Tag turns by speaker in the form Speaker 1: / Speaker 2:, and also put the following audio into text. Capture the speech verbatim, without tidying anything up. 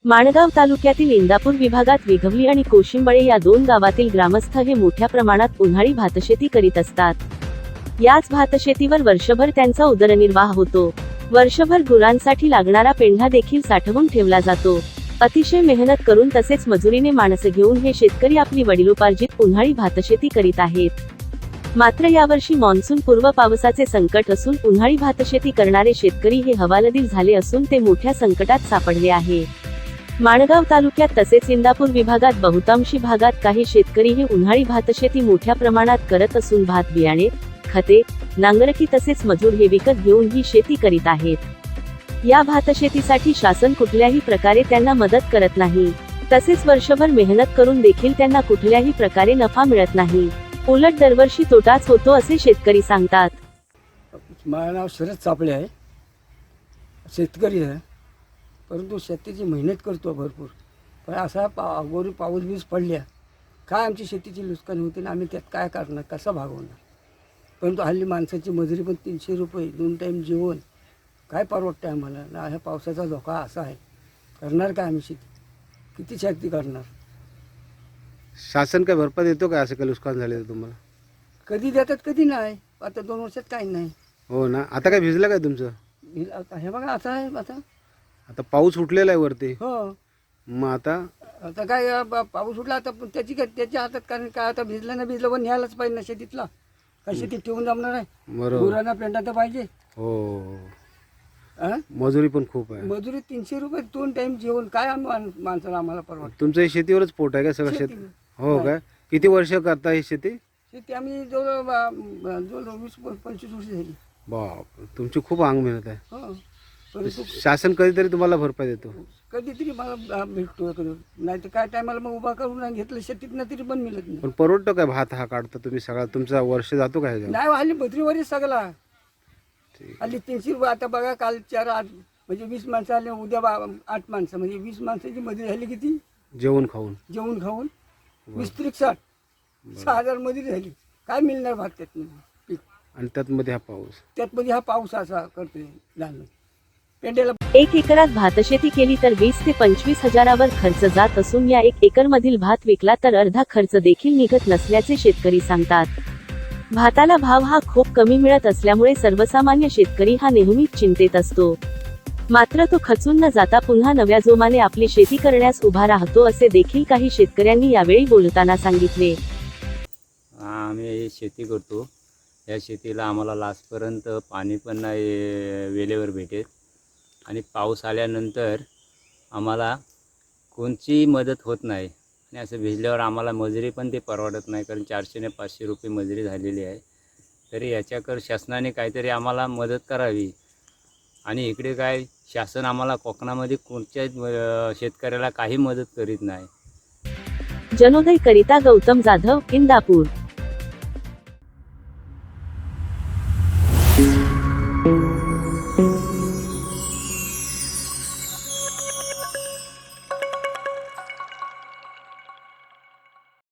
Speaker 1: माणगाव तालुक्यातील इंदापूर विभागात वेघवली आणि कोशिंबळे या दोन गावातील ग्रामस्थ हे मोठ्या प्रमाणात उन्हाळी भातशेती करीत असतात। याच भातशेतीवर वर्षभर त्यांचा उदरनिर्वाह होतो। वर्षभर गुरांसाठी लागणारा पेंढा देखील साठवून ठेवला जातो। अतिशय मेहनत करून तसेच मजुरीने माणसं घेऊन हे शेतकरी आपली वडिलोपार्जित उन्हाळी भातशेती करीत आहेत। मात्र यावर्षी मान्सून पूर्व पावसाचे संकट असून उन्हाळी भातशेती करणारे शेतकरी हे हवालदिल झाले असून ते मोठ्या संकटात सापडले आहे। माणगाव तालुक्यात तसेच इंदापूर विभागात बहुतांशी भागात काही शेतकरी हे उन्हाळी भातशेती मोठ्या प्रमाणात करत असून भात बियाणे, खते, नांगरटी तसेच मजूर हे विकत घेऊन ही शेती करीत आहेत। या भातशेतीसाठी शासन कुठल्याही प्रकारे त्यांना मदत करत नाही, तसेच वर्षभर मेहनत करून देखील त्यांना कुठल्याही प्रकारे नफा मिळत नाही। उलट दरवर्षी तोटाच होतो असे शेतकरी सांगतात।
Speaker 2: माझं नाव शरद चापळे आहे, शेतकरी आहे, परंतु शेतीची मेहनत करतो भरपूर। पण असा पा अगोदर पाऊस बीस पडल्या काय आमची शेतीची नुकसान होते ना, आम्ही त्यात काय करणार, कसं भागवणार। परंतु हल्ली माणसाची मजुरी पण तीनशे रुपये, दोन टाईम जेवण काय परवडतं आम्हाला ना। ह्या पावसाचा धोका असा आहे, करणार काय आम्ही शेती, किती शेती करणार।
Speaker 3: शासन काय भरपाई देतो काय असं काही नुकसान झाले तर तुम्हाला?
Speaker 2: कधी देतात कधी नाही, आता दोन वर्षात काही नाही।
Speaker 3: हो ना, आता काय भिजलं काय तुमचं?
Speaker 2: हे आता हे बघा असं आहे आता
Speaker 3: आता पाऊस उठलेला आहे वरती,
Speaker 2: हो।
Speaker 3: मग आता
Speaker 2: आता काय अ, प- पाऊस उठला आता पण त्याची काय त्याच्या हातात, कारण काय आता भिजलं ना भिजलं पण न्यायलाच पाहिजे ना शेतीतला, काय शेतीत ठेवून जमणार आहे।
Speaker 3: बरोबर,
Speaker 2: गुरांना पेंडा तर पाहिजे।
Speaker 3: हो,
Speaker 2: अं?
Speaker 3: मजुरी पण खूप आहे।
Speaker 2: मजुरी तीनशे रुपये, दोन टाइम जेवण काय आम्ही माण- माणसाला आम्हाला परवडतं।
Speaker 3: तुमचं हे शेतीवरच पोट आहे का सगळं शेत?
Speaker 2: शेती.
Speaker 3: हो काय, किती वर्ष करता ही शेती?
Speaker 2: शेती आम्ही जवळ ब- जवळ वीस प- पंचवीस वर्ष झाली,
Speaker 3: बाप, तुमची खूप अंग मेहनत आहे।
Speaker 2: हो। परंतु
Speaker 3: शासन कधीतरी तुम्हाला भरपाई देतो?
Speaker 2: कधीतरी मला अ, भेटतो कधी, नाही तर काय टायमाला मग उभा करून घेतलं शेतीतनं तरी पण मिळत नाही।
Speaker 3: पण परवडतो काय भात हा काढता तुम्ही सगळा, तुमचा वर्ष जातो काय ह्याच्यावर?
Speaker 2: नाही हल्ली बत्रीवरच सगळा,
Speaker 3: ठीक.
Speaker 2: हल्ली तीनशे रुपये। आता बघा काल चार आठ म्हणजे वीस माणसं आले, उद्या बा आठ माणसं, म्हणजे वीस माणसाची मजुरी झाली किती,
Speaker 3: जेवण खाऊन?
Speaker 2: जेवून खाऊन वीस त्रिक साठ सहा हजार मजुरी झाली, काय मिळणार भात त्यातनं पीक।
Speaker 3: आणि त्यात मध्ये हा पाऊस,
Speaker 2: त्यात मध्ये हा पाऊस असा करतोय लहान पेंड्याला।
Speaker 1: एक एकरात भातशेती केली तर वीस ते पंचवीस हजारावर खर्च जात असून या एक एकर मधील भात विकला तर अर्धा खर्च देखील निघत नसल्याचे शेतकरी सांगतात। भाताला भाव हा खूप कमी मिळत असल्यामुळे सर्वसामान्य शेतकरी हा नेहमीच चिंतेत असतो। मात्र तो खचून न जाता पुन्हा नव्या जोमाने आपली शेती करण्यास उभा राहतो असे देखील काही शेतकऱ्यांनी यावेळी बोलताना सांगितले।
Speaker 4: आम्ही शेती करतो, या शेतीला आम्हाला लास्टपर्यंत पाणी पण नाही वेळेवर भेटेत आणि पाऊस आल्यानंतर आम्हाला कोणतीही मदत होत नाही आणि असं भिजल्यावर आम्हाला मजुरी पण ते परवडत नाही, कारण चारशे ने पाचशे रुपये मजुरी झालेली आहे। तरी याच्याकर शासनाने काहीतरी आम्हाला मदत करावी। आणि इकडे काय शासन आम्हाला कोकणामध्ये कोणत्याच अ, शेतकऱ्याला काही मदत करीत नाही।
Speaker 1: जनोदय करिता गौतम जाधव, इंदापूर।